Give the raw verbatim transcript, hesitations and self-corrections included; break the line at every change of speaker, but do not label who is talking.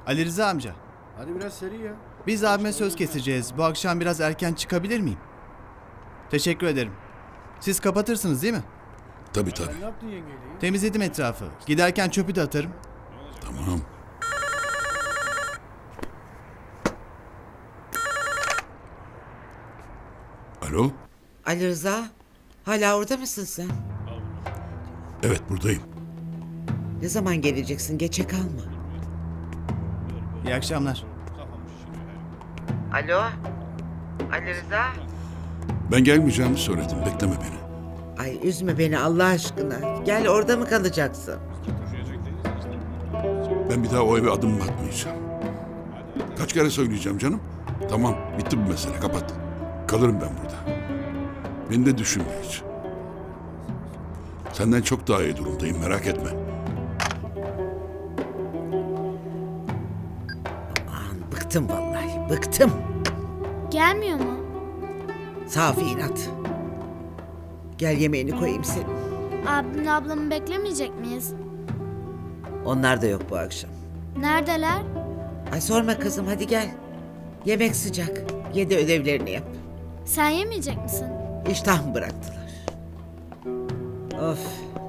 Ali Rıza amca,
Hadi biraz seri ya.
biz abime söz keseceğiz. Bu akşam biraz erken çıkabilir miyim? Teşekkür ederim. Siz kapatırsınız değil mi?
Tabii tabii.
Ne yaptın yengeyle?
Temizledim etrafı. Giderken çöpü de atarım.
Tamam. Alo?
Ali Rıza, hala orada mısın sen?
Evet buradayım.
Ne zaman geleceksin? Geçe kalma.
İyi akşamlar.
Alo? Ali Rıza?
Ben gelmeyeceğimi söyledim. Bekleme beni.
Ay üzme beni Allah aşkına. Gel, orada mı kalacaksın?
Ben bir daha o eve adım atmayacağım. Kaç kere söyleyeceğim canım? Tamam bitti bu mesele kapat. Kalırım ben burada. Beni de düşünme hiç. Senden çok daha iyi durumdayım merak etme.
Aman bıktım vallahi, bıktım.
Gelmiyor mu?
Safi inat. Gel yemeğini koyayım senin.
Abimle ablamı beklemeyecek miyiz?
Onlar da yok bu akşam.
Neredeler?
Ay sorma kızım, hadi gel. Yemek sıcak. Ye de ödevlerini yap.
Sen yemeyecek misin?
İştah mı bıraktılar? Of.